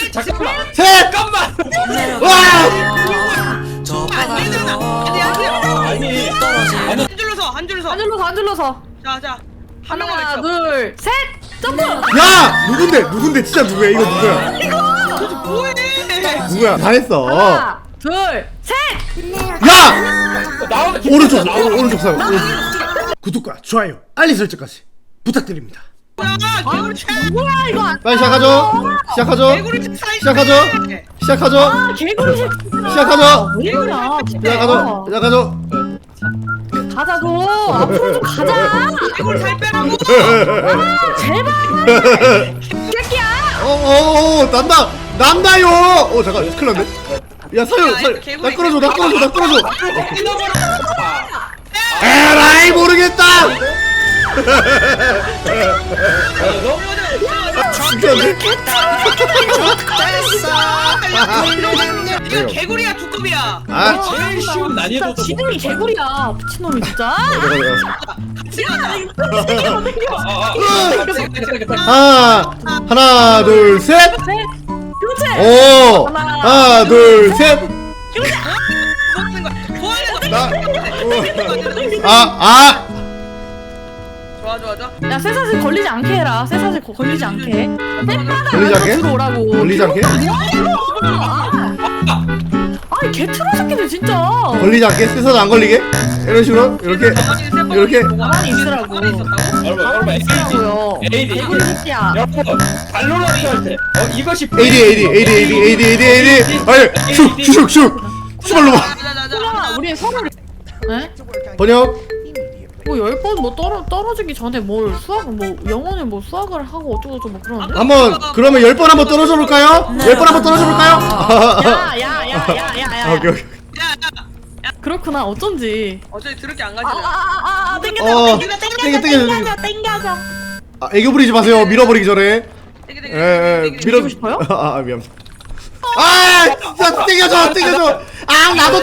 잠깐만. 셋! 잠깐만. 와! 아니. 한 줄로 서. 자. 하나, 둘, 셋. 점프. 야! 누군데? 진짜 누구야? 이거 누구야? 뭐해? 누구야? 다 했어. 하나, 둘, 셋. 야! 오른쪽 사람. 구독과 좋아요, 알림 설정까지 부탁드립니다. 뭐야? 뭐야 이거? 빨리 시작하죠. 개구리 새끼. 시작하죠. 뭐야? 시작하죠. 가자고. 앞으로 좀 가자. 개구리 살 빼라고. 제발. 새끼야. 난다요. 잠깐, 큰일 났네. 야, 나 끌어줘. 에라이, 모르겠다. 죽였네. 이거 개구리야 두꺼비야. 아, 제일 쉬운 난이도도 지능이 개구리야. 미친놈이 진짜. 하나, 둘, 셋. 셋. 그렇지. 오, 하나, 둘, 셋. 좋아. 야, 쇠사슬 걸리지 않게 해라. 쇠사슬 걸리지 않게. 걸리지 않게? 들어오라고. 걸리지 않게? 아이 개트로 새끼들 진짜. 걸리지 않게? 쇠사슬 안 걸리게? 이런 식으로? 이렇게? 가만히 있으라고. 여러분 있으라고요. AD 개구리 새끼야. 여러분 발로란트 할때 이것이 AD. 아니, 슉. 수발로 봐. 그냥 우리 서로. 네? 번역. 뭐 10번 뭐 떨어지기 전에 뭘 수학을 뭐 영어는 뭐 수학을 하고 어쩌고저쩌고 뭐 그러는데? 그러면 10번 한번 떨어져 볼까요? 10번 한번 떨어져 볼까요? 야야야야야야. 오케이. 그렇구나 어쩐지. 어차피 들을게 안 가잖아. 땡겨줘. 아, 애교 부리지 마세요. 밀어버리기 전에. 밀고 싶어요? 미안. 진짜 땡겨줘. 나도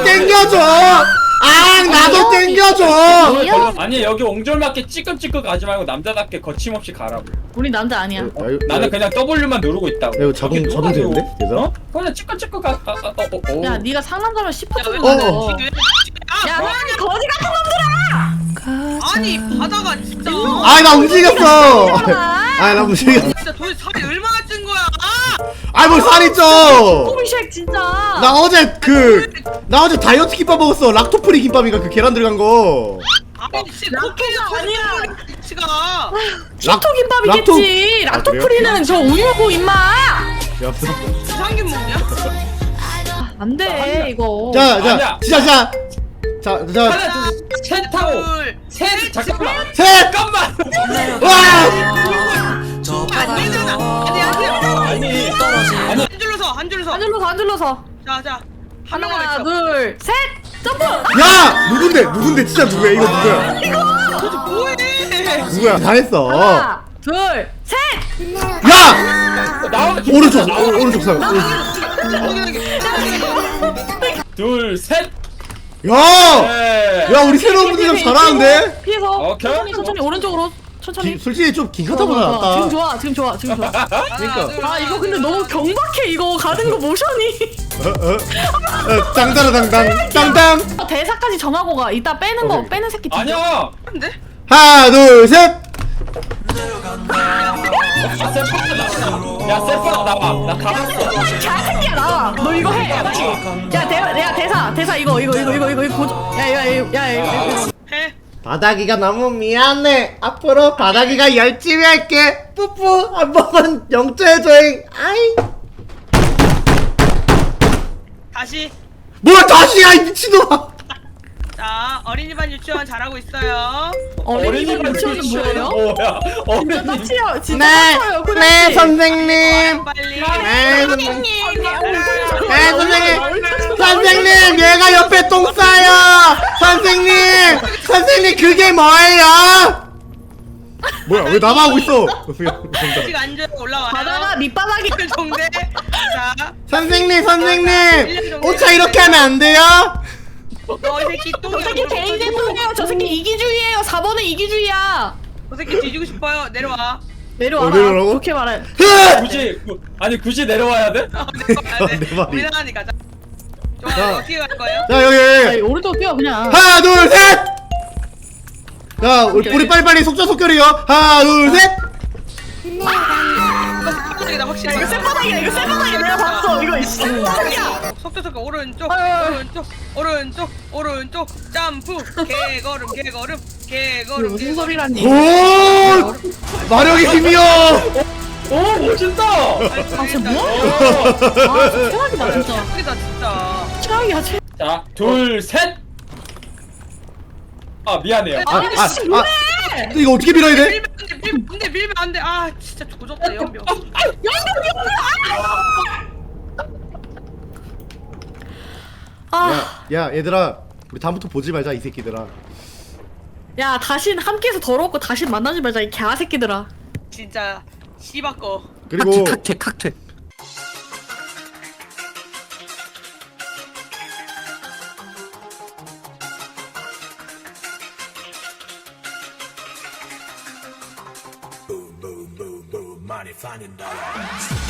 땡겨줘. 아니 여기 옹졸맞게 찌끄찌끄 가지 말고 남자답게 거침없이 가라고. 우리 남자 아니야. 나는 그냥 W만 누르고 있다고. 이거 자동 되는데? 얘들아? 그냥 찌끄찌끄 가. 야 네가 상남자면 10% 좀 어. 먹어. 야 너희 거지 같은 놈들아. 아니 바다가 진짜. 나 움직였어. 나 움직였어. 진짜 도대체 살이 얼마나 찐 거야? 뭘 살이 쪄. 꼬미쉑 진짜. 나 어제 다이어트 김밥 먹었어. 락토프리 김밥인가 그 계란 들어간 거. 아니 진짜 락토가 아니야. 치가. 락토 김밥이겠지. 락토프리는 저 우유고 임마. 이상균 먹냐? 안돼 이거. 아니야. 시작. 자, 하나 둘셋 하고 셋 잠깐만. 와! 아니 한 줄로 서. 한 줄로 서. 자. 하나, 둘, 셋. 점프. 야! 누군데? 진짜 누구야? 이거 누구야? 뭐해? 누구야? 다 했어. 하나, 둘, 셋. 야! 오른쪽 사람. 둘 셋. 야, 우리 새로운 분들 좀 잘하는데? 피해서. 오케이. 천천히 오른쪽으로. 천천히. 솔직히 좀 긴가타보다 낫다. 지금 좋아. 그러니까. 이거 근데 너무 경박해 이거 가는 거 모션이. 땅땅. 대사까지 정하고 가. 이따 빼는 거 오케이. 빼는 새끼. 아니야. 근데? 하나, 둘, 셋. 야 셀프가 나와. 나 가봤어. 자새끼야 나와. 너 이거 해. 야 대사 이거 고정. 야 이거. 해. 바닥이가 너무 미안해. 앞으로 바닥이가 열심히 할게. 뿌뿌 한 번만 영조해줘잉. 아이. 다시. 뭘 다시야 이 미친놈아. 자 어린이반 유치원 잘하고 있어요. 어린이반 유치원은 뭐예요? 뭐야? 진짜 빡치요. 진짜 네, 빡쳐요. 네 선생님. 빨리. 네 선생님 얘가 옆에 똥 싸요. 선생님 그게 뭐예요? 뭐야 왜 나만 하고 있어? 아직 앉아 올라와요. 바다가 밑바닥이. 정대. 자. 선생님 오차 이렇게 하면 안 돼요? 너 이 새끼 또. 저 새끼 개인대통이에요. 저 새끼 이기주의예요. 4번은 이기주의야. 저 새끼 뒤지고 싶어요. 내려와. 내려와라. 내려오라고? 좋게 말해. 굳이 내려와야 돼? 내 말이. 우리나라니 가자. 자. 좋아요. 어떻게 갈 거예요? 자 야, 여기 오른쪽 뛰어 그냥. 하나 둘 셋. 자 우리 빨리빨리 속전속결이요. 하나 둘 셋. 다 확실히. 이거 쇠바닥이야. 이거 쇠바닥이야. 내가 봤어. 이거 쇠바닥이야. 속도속도 오른쪽, 아유. 오른쪽, 오른쪽, 오른쪽, 점프, 개걸음, 개걸음, 이거 개걸음. 무슨 소리라니? 오 마력의 힘이요. 오 멋진다. 아 진짜 뭐야? 아 진짜 최악이다 진짜. 웃기다 진짜. 최악이야 최. 자, 둘, 셋. 아 미안해요. 아니 씨 뭐해? 이거 어떻게 밀어야 돼? 밀면 안 돼, 근데 밀면 안 돼. 아 진짜 조졌다 연병. 아, 야 얘들아 우리 다음부터 보지 말자 이 새끼들아. 야 다신 함께해서 더럽고 다신 만나지 말자 이 개새끼들아. 진짜 씨바꺼. 그리고 칵퇴. Boom, boom, boom, boom, money, finding dollars.